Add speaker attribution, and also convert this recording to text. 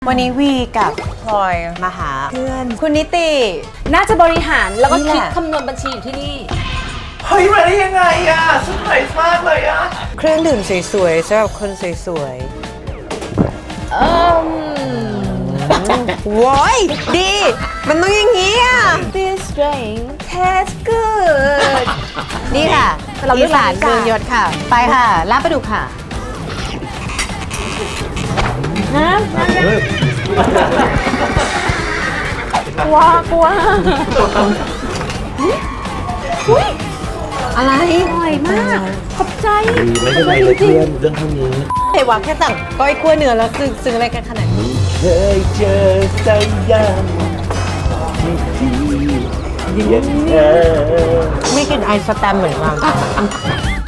Speaker 1: วันนี้วีกับพลอยมาหาเพื่อนคุณนิติ
Speaker 2: น่าจะบริหารแล้วก็
Speaker 1: นี่แห
Speaker 2: คิด
Speaker 1: ละ
Speaker 2: คำนวณบัญชีอยู่ที่นี่
Speaker 3: เฮ้ยมาได้ยังไงอะเซอร์ไพรส์มากเลยอะ
Speaker 1: เครื่องดื่มสวยๆสำหรับคนสวยๆว้ายดี มันต้องอย่างนี้อ่ะ
Speaker 2: This drink tastes good
Speaker 1: นี่ค่ะ
Speaker 2: เราเลื
Speaker 1: อี
Speaker 2: อก
Speaker 1: สาน
Speaker 2: ร้าน
Speaker 1: เมืองยศค่ะ ไปค่ะลาบปลาดุกค่ะ
Speaker 2: กลัว
Speaker 1: อะไร
Speaker 2: อร่อยมาก ขอบใจ
Speaker 3: ไม่เป็นไรเลยเพื่อนเรื่องเท่านี้
Speaker 1: เฮ้ยว่าแค่สั่งก้อยคั่วเนื้อแล้วซึ้งอะไรกันขนาดนี้
Speaker 3: เคยเจอสักอย่างที่ดีอย่างเธอ
Speaker 1: ไม่กินไอสแตมเหมือนกัน